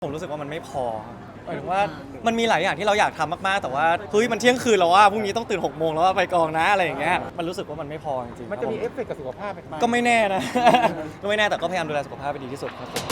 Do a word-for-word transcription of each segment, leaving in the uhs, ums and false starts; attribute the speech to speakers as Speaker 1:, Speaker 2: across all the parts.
Speaker 1: ผมรู้สึกว่ามันไม่พอหมายถึงว่ามันมีหลายอย่างที่เราอยากทำมากๆแต่ว่าเฮ้ยมันเที่ยงคืนแล้วว่าพรุ่งนี้ต้องตื่นหกโมงแล้วว่าไปกองนะอะไรอย่างเงี้ยมันรู้สึกว่ามันไม่พอจริงๆ
Speaker 2: มันจะมีเอฟเฟกต์กับสุขภาพไหม
Speaker 1: ก็ไม่แน่นะ ก็ไม่แน่แต่ก็พยายามดูแลสุขภาพไปดีที่สุดครับผม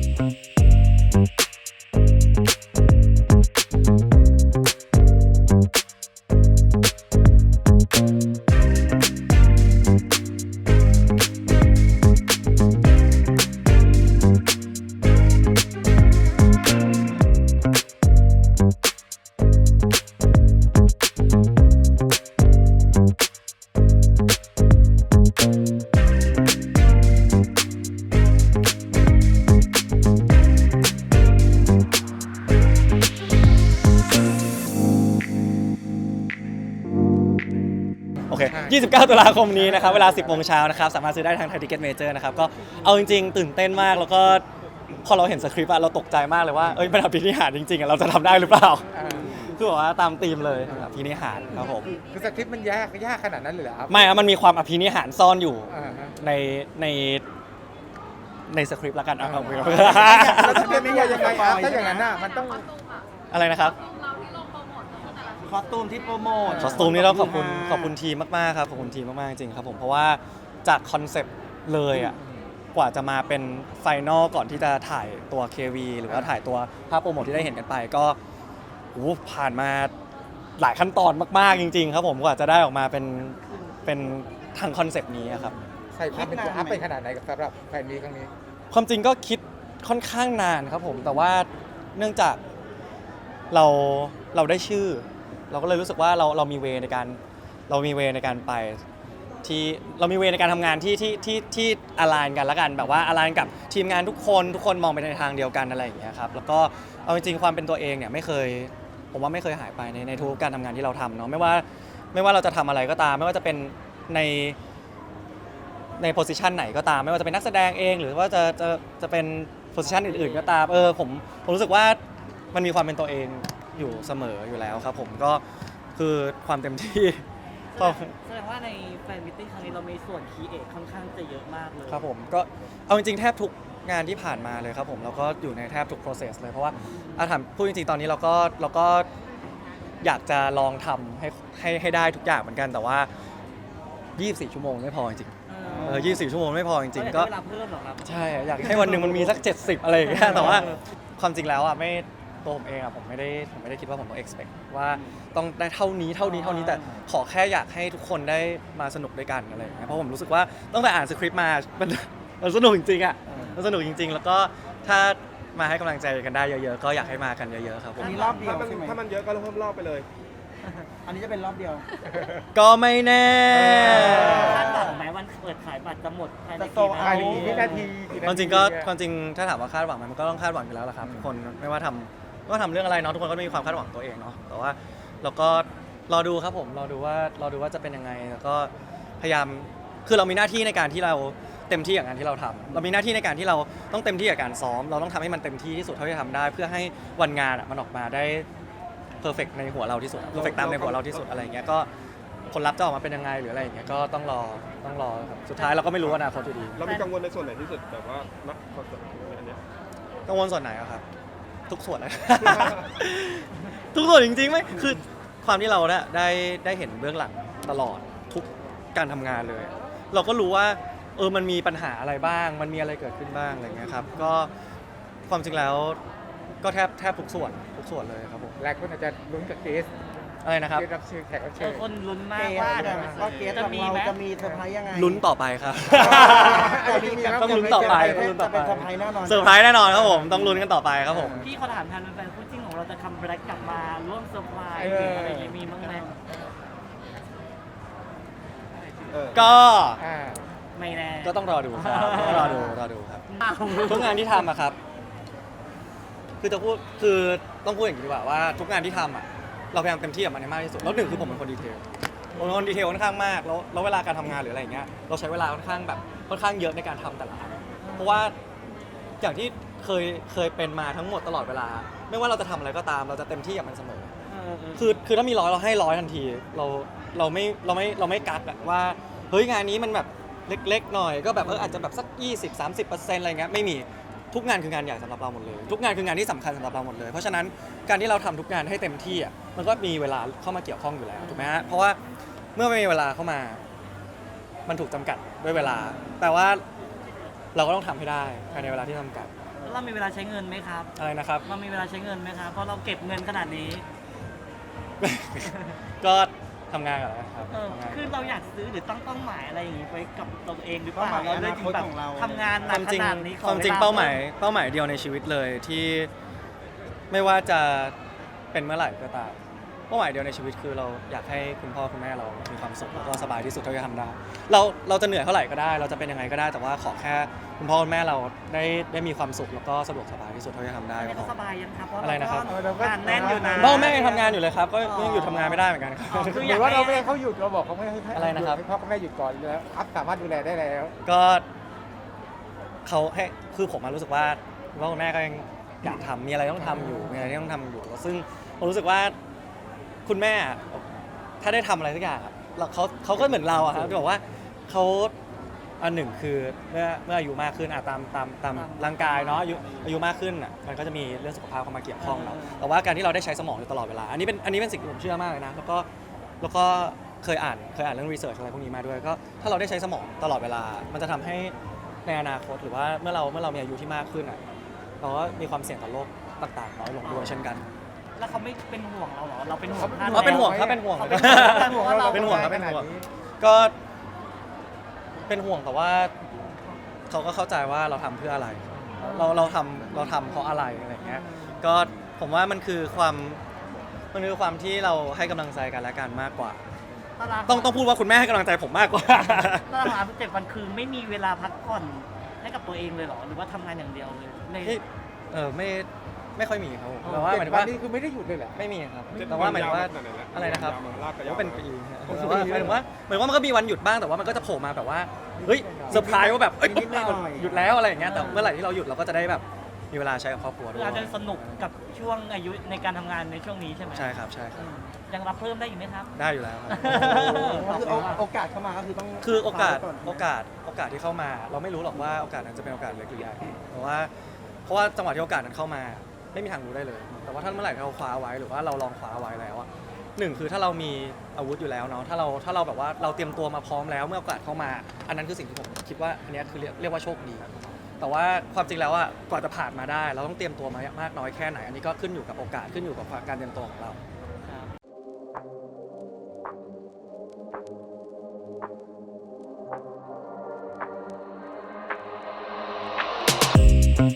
Speaker 1: โอเคยี่สิบเก้าตุลาคมนี้นะครับเวลา สิบโมงเช้านะครับสามารถซื้อได้ทางไทยทิเก็ตเมเจอร์นะครับก็เอาจริงๆตื่นเต้นมากแล้วก็พอเราเห็นสคริปต์อะเราตกใจมากเลยว่าเอ้ยมันอภินิหารจริงๆอะเราจะทำได้หรือเปล่าคือแบบว่าตามธีมเลยอภินิหารครับผม
Speaker 2: คือสคริปต์มันยากยากขนาดนั้นเลยเหรอครับ
Speaker 1: ไม่อะมันมีความอภินิหารซ่อนอยู่
Speaker 2: อ่าฮะ
Speaker 1: ในในในสคริปต์ละกันอ่ะ
Speaker 2: แล้วจะเป็นยังไงครับถ้าอย่างนั้นน่ะมันต้อง
Speaker 1: อะไรนะครับ
Speaker 3: คอสตูมที่โปรโมท
Speaker 1: คอสตูมนี่ต้องขอบคุณขอบคุณทีมมากๆครับขอบคุณทีมมากๆจริงๆครับผมเพราะว่าจากคอนเซปต์เลยอ่ะกว่าจะมาเป็นไฟนอลก่อนที่จะถ่ายตัว เค วี หรือว่าถ่ายตัวภาพโปรโมทที่ได้เห็นกันไปก็โอ้ผ่านมาหลายขั้นตอนมากๆจริงๆครับผมกว่าจะได้ออกมาเป็นเป็นทางคอนเซปต์นี้ครับ
Speaker 2: ใส่ความเป็นตัวอัพไปขนาดไหนกับสำหรับแฟนมีครั้งนี้
Speaker 1: ความจริงก็คิดค่อนข้างนานครับผมแต่ว่าเนื่องจากเราเราได้ชื่อ เราก็เลยรู้สึกว่าเราเรามีเวในการเรามีเวในการไปที่เรามีเวในการทำงานที่ที่ที่ที่อลายกันแล้วกันแบบว่าอลายกับทีมงานทุกคนทุกคนมองไปในทางเดียวกันอะไรอย่างเงี้ยครับแล้วก็เอาจริงๆความเป็นตัวเองเนี่ยไม่เคยผมว่าไม่เคยหายไปในในทุกการทำงานที่เราทำเนาะไม่ว่าไม่ว่าเราจะทำอะไรก็ตามไม่ว่าจะเป็นในในโพสิชันไหนก็ตามไม่ว่าจะเป็นนักแสดงเองหรือว่าจะจะจะเป็นโพสิชันอื่นๆก็ตามเออผมผมรู้สึกว่ามันมีความเป็นตัวเองอยู่เสมออยู่แล้วครับผมก็คือความเต็มที่ก็
Speaker 3: แสดงว่าในแฟนมิตติ้งครั้งนี้เรามีส่วนคีเอทค่อนข้างจะเยอะมากเลย
Speaker 1: ครับผมก็เอาจริงๆแทบทุกงานที่ผ่านมาเลยครับผมเราก็อยู่ในแทบทุก process เลยเพราะว่าอาถามพูดจริงๆตอนนี้เราก็เราก็อยากจะลองทำให้ให้ให้ได้ทุกอย่างเหมือนกันแต่ว่ายี่สิบสี่ชั่วโมงไม่พอจริงๆ
Speaker 3: เอ
Speaker 1: เออยี่สิบสี่ชั่วโมงไม่พอจริงๆก็
Speaker 3: เวลาเพิ่มหรอครับ
Speaker 1: ใช่อยากให้วันหนึ่งมันมีสักเจ็ดสิบอะไรอย่างเงี้ยแต่ว่าความจริงแล้วอ่ะไม่ตัวผมเองอ่ะผมไม่ได้ผมไม่ได้คิดว่าผมต้อง expect ว่าต้องได้เท่านี้เท่านี้เท่านี้แต่ขอแค่อยากให้ทุกคนได้มาสนุกด้วยกันอะไรอย่างเงี้ยเพราะผมรู้สึกว่าตั้งแต่อ่านสคริปต์มามันมันสนุกจริงๆอ่ะมันสนุกจริง ๆ แล้วก็ถ้ามาให้กำลังใจกันได้เยอะๆก็อยากให้มากันเยอะๆครับผม
Speaker 3: อันนี้รอบเดียว
Speaker 4: ถ้ามัน
Speaker 3: ใช่ไหม
Speaker 4: ถ้ามันเยอะก็เพิ่มรอบไปเลย
Speaker 3: อันนี้จะเป็นรอบเดียว
Speaker 1: ก็ไม่แน่
Speaker 3: คาดหวังไหมวันเปิดขายบัตรจะหมดภายใน
Speaker 2: จะโต
Speaker 3: กี่
Speaker 2: ภายในกี่วินาที
Speaker 1: ความจริงก็ความจริงถ้าถามว่าคาดหวังไหมมันก็ต้องคาดหวังอยู่แล้วแหละครับทุกคนไม่ว่าทำไม่ว่าทำเรื่องอะไรเนาะทุกคนก็มีความคาดหวังตัวเองเนาะแต่ว่าเราก็รอดูครับผมรอดูว่ารอดูว่าจะเป็นยังไงแล้วก็พยายามคือเรามีหน้าที่ในการที่เราเต็มที่กับงานที่เราทำเรามีหน้าที่ในการที่เราต้องเต็มที่กับการซ้อมเราต้องทำให้มันเต็มที่ที่สุดเท่าที่ทำได้ เพื่อให้วันงานอะมันออกมาได้เพอร์เฟกในหัวเราที่สุดเพอร์เฟกตามในหัวเราที่สุดอะไรอย่างเงี้ยก็ผลลัพธ์จะออกมาเป็นยังไงหรืออะไรอย่างเงี้ยก็ต้องรอต้องรอครับสุดท้ายเราก็ไม่รู้อนาคตอยู่ดี
Speaker 4: เรามีกังวลในส่วนไหนที่สุดแบบว่านักคอนเสิร์ตในอันเนี้ย
Speaker 1: กังวลส่วนไหนอะครับ ทุกส่วนเลย ทุกส่วนจริงๆไหมคือความที่เราเนี่ยได้ได้เห็นเบื้องหลังตลอดทุกการทำงานเลย เราก็รู้ว่าเออมันมีปัญหาอะไรบ้าง มันมีอะไรเกิดขึ้นบ้างอะไรเงี้ยครับก็ความจริงแล้วก็แทบแทบทุกส่วนทุกส่วนเลยครับผม
Speaker 2: หลายคนอาจจะลุ้นกับเกส
Speaker 1: อะไรนะครับ
Speaker 2: เกสรับเชิญแขกรับ
Speaker 3: เอ
Speaker 2: เชิ
Speaker 3: อ
Speaker 2: ญ
Speaker 3: คนลุ้นมาก
Speaker 5: เกส
Speaker 3: ว่า
Speaker 5: อะว่าเกส
Speaker 3: จะ
Speaker 5: ของ
Speaker 3: มี
Speaker 5: เรา
Speaker 3: ไหม
Speaker 5: จะมีเซอร์ไพรส์ยังไง
Speaker 1: ลุ้นต่อไปครับ
Speaker 5: จะมีแบบ
Speaker 1: ต้องลุ้นต่อไปต้องลุ้นต่อไป
Speaker 5: จะเป็นเซอร์ไพรส์แน่นอน
Speaker 1: เซอร์ไพรส์แน่นอนครับผมต้องลุ้นกันต่อไปครับผม
Speaker 3: พี่เขาถามแทนแฟนๆคู่จิ้นของเราจะคัมแบล็กกลับมาร่วมเซอร์ไพรส์หรืออะไรอย่างงี้มีบ้างไหม
Speaker 4: เออ
Speaker 1: ก็
Speaker 2: อ่า
Speaker 3: ไม่แน่
Speaker 1: ก็ต้องรอดูครับต้องรอดูรอดูครับ ทุกงานที่ทำอะครับ คือจะพูด คือต้องพูดอย่างนี้ดีกว่าว่าทุกงานที่ทำอะเราพยายามเต็มที่กับมันให้มากที่สุด แล้วหนึ่งคือผมเป็นคนดีเทลผมเป็นคนดีเทลค่อนข้างมาก แล้วแล้วเวลาการทำงานหรืออะไรอย่างเงี้ย เราใช้เวลาค่อนข้างแบบค่อนข้างเยอะในการทำแต่ละอันเพราะว่าอย่างที่เคยเคยเป็นมาทั้งหมดตลอดเวลา ไม่ว่าเราจะทำอะไรก็ตาม เราจะเต็มที่กับมันเสมอ คือคือถ้ามีร้อยเราให้ร้อยทันที เราเราไม่เราไม่เราไม่กักอะว่าเฮ้ยงานนี้มันแบบเล็กๆหน่อยก็แบบเอออาจจะแบบสัก ยี่สิบ สามสิบเปอร์เซ็นต์ อะไรเงี้ยไม่มีทุกงานคืองานใหญ่สำหรับเราหมดเลยทุกงานคืองานที่สำคัญสำหรับเราหมดเลยเพราะฉะนั้นการที่เราทำทุกงานให้เต็มที่อ่ะมันก็มีเวลาเข้ามาเกี่ยวข้องอยู่แล้วถูกไหมฮะเพราะว่าเมื่อไม่มีเวลาเข้ามา มันถูกจำกัดด้วยเวลาแต่ว่าเราก็ต้องทำให้ได้ภายในเวลาที่จำกัด
Speaker 3: แล้วเรามีเวลาใช้เงินไหมครับ
Speaker 1: อะไรนะครับ
Speaker 3: เรามีเวลาใช้เงินไหมครับเพราะเราเก็บเงินขนาดนี้
Speaker 1: ก็ทำงานก่อนนะครับ
Speaker 3: เออ
Speaker 1: ทำงาน
Speaker 3: คือเราอยากซื้อหรือตั้งเป้าหมายอะไรอย่างนี้ไว้กับตัวเองหรือเปล่า
Speaker 5: เป้าหมาย
Speaker 3: เราเลยถึงแบบ
Speaker 5: อนาคตของเรา
Speaker 3: ทำงานห
Speaker 1: ค
Speaker 3: นั
Speaker 1: วาก ม
Speaker 3: ข
Speaker 1: จริง
Speaker 3: นาดนี้ขอ
Speaker 1: ความจริง
Speaker 3: ล
Speaker 1: เป้าหมายเป้าหมายเดียวในชีวิตเลยที่ไม่ว่าจะเป็นเมื่อไหร่ก็ตามเป้าหมายเดียวในชีวิตคือเราอยากให้คุณพ่อคุณแม่เรามีความสุขแล้วก็สบายที่สุดเท่าที่จะทำได้เราเราจะเหนื่อยเท่าไหร่ก็ได้ เราจะเป็นยังไงก็ได้แต่ว่าขอแค่คุณพ่อคุณแม่เราได้ได้มีความสุขแล้วก็สะดวกสบายที่สุดเท่าที่จะทำได้
Speaker 3: อัน
Speaker 1: ก็
Speaker 3: นี้
Speaker 1: พ
Speaker 3: ก็
Speaker 1: อ
Speaker 3: สบายยังครับเพราะ
Speaker 1: อะไรนะครับ
Speaker 3: เราก็งานแน่นอยู่นะ
Speaker 1: พ่อแม่ยังทำงานอยู่เลยครับก็ยังอยู่ทำงานไม่ได้เหมือนกันครับ
Speaker 3: อ๋อ
Speaker 2: หรือว่าเราไม่ให้เขาหยุดเราบอกเขาไม่ให้ให้
Speaker 1: อะไรนะครับ
Speaker 2: ให้พ่อกับแม่หยุดก่อนแล้วอัพสามารถดูแลได้แล้ว
Speaker 1: ก็เขาให้คือผมมารู้สึกว่าพ่อคุณแม่ก็ยังอยากทำมีอะไรต้องทำอยู่มีอะไรที่ต้องทำอยู่ซึ่งผมรู้สึกว่าคุณแม่ถ้าได้ทำอะไรสักอย่างอะเราเขาเขาก็เหมือนเราอะครับที่บอกว่าเขาอันหนึ่งคือเมื่อเมื่ออายุมากขึ้นอะตามตามตามร่างกายเนาะอายุอายุมากขึ้นอะมันก็จะมีเรื่องสุขภาพเข้ามาเกี่ยวข้องเนาะแต่ว่าการที่เราได้ใช้สมองอยู่ตลอดเวลาอันนี้เป็นอันนี้เป็นสิ่งที่ผมเชื่อมากเลยนะแล้วก็แล้วก็เคยอ่านเคยอ่านเรื่องรีเสิร์ชอะไรพวกนี้มาด้วยก็ถ้าเราได้ใช้สมองตลอดเวลา มันจะทำให้ในอนาคตหรือว่าเมื่อเราเมื่อเรามีอายุที่มากขึ้นอ่ะเราก็มีความเสี่ยงต่อโรคต่างๆน้อยลงด้วยเช่นกัน
Speaker 3: แล้วเขาไม่เป็นห่วงเราเหรอเราเป็นห่วง
Speaker 2: เขา
Speaker 3: ท่าน
Speaker 1: อ๋อเป็นห่วง
Speaker 3: แล้
Speaker 1: ครับเป็นห่วง
Speaker 3: เขาเป็นห่วงท่านเพราะว่าเรา
Speaker 1: เป็นห่วงครับเป็นห่วง
Speaker 2: ขนาดนี้
Speaker 1: ก็เป็นห่วงแต่ว่าเขาก็เข้าใจว่าเราทำเพื่ออะไร เราเราทำเราทำเพราะอะไรอะไรอย่างเงี้ยก็ผมว่ามันคือความมันคือความที่เราให้กำลังใจกันและกันมากกว่า
Speaker 3: ตาราง
Speaker 1: ต้องต้องพูดว่าคุณแม่ให้กำลังใจผมมากกว่า
Speaker 3: ตารางงานเจ็ดวันคือไม่มีเวลาพักผ่อนให้กับตัวเองเลยเหรอหรือว่าทำงานอย่างเดียวเลยใน
Speaker 1: เฮ้ยเออไม่ไม่ค่อยมีครับผมแต่ว่าห
Speaker 2: เจ็
Speaker 1: มาย
Speaker 2: ด
Speaker 1: ถึง
Speaker 2: วัน
Speaker 1: ว่า
Speaker 2: นี้คือไม่ได้หยุดเลยแหละ
Speaker 1: ไม่มีครับ
Speaker 4: เจ็ด
Speaker 1: แต่ว่าหมายถึงว่า
Speaker 4: ยาวขนาดไหนแล้ว
Speaker 1: อะไรนะครับ
Speaker 4: ยาวมาลากไปยาว
Speaker 1: ก็เป็น
Speaker 4: มา
Speaker 1: ปีฮะ
Speaker 2: โอ้โห
Speaker 1: แต่ว่าหมายถึงว่าหมายถึงว่ามันก็มีวันหยุดบ้างแต่ว่ามันก็จะโผล่มาแบบว่าเฮ้ยเซอร์ไพรส์ว่าแบบเอ้ย
Speaker 5: นิดๆหน่อยๆ
Speaker 1: หยุดแล้วอะไรอย่างเงี้ยแต่เมื่อไหร่ที่เราหยุดเราก็จะได้แบบมีเวลาใช้กับครอบครัวด้
Speaker 3: คื
Speaker 1: ว
Speaker 3: อย อาจจะสนุกกับช่วงอายุในการทำงานในช่วงนี้ใช่ไหม
Speaker 1: ใช่ครับใช่ครับ
Speaker 3: อืมยังรับเพิ่มได้อีกไหมครับ
Speaker 1: ได้อยู่แล้วครับ
Speaker 5: ก็คือเอาโอกาสเข้ามาก็คือต้อง
Speaker 1: คือโอกาส
Speaker 5: คว้ไว้น
Speaker 1: โอกาสโอกาสที่เข้ามา เราไม่รู้หรอกว่าโอกาสนั้นจะเป็นโอกาสเล็กหรือใหญ่เพราะว่าเพราะว่าจังหวะที่โอกาสนั้นเข้ามา ไม่มีทางรู้ได้เลย แต่ว่าถ้าเมื่อไหร่ที่เราคว้าไว้หรือว่าเราลองคว้าไว้แล้วอะหนึ่งคือถ้าเรามีอาวุธอยู่แล้วเนาะถ้าเราถ้าเราแบบว่าเราเตรียมตัวมาพร้อมแล้วเมื่อโอกาสเข้ามา อันนั้นคือสิ่งที่ผมคิดว่าอันเนี้ยคือเรียกเรียกว่าโชคดี แต่ว่าความจริงแล้วอะกว่าจะผ่านมาได้ เราต้องเตรียมตัวมามากน้อยแค่ไหน อันนี้ก็ขึ้นอยู่กับโอกาสขึ้นอยู่กับการเตรียมตัวของเรา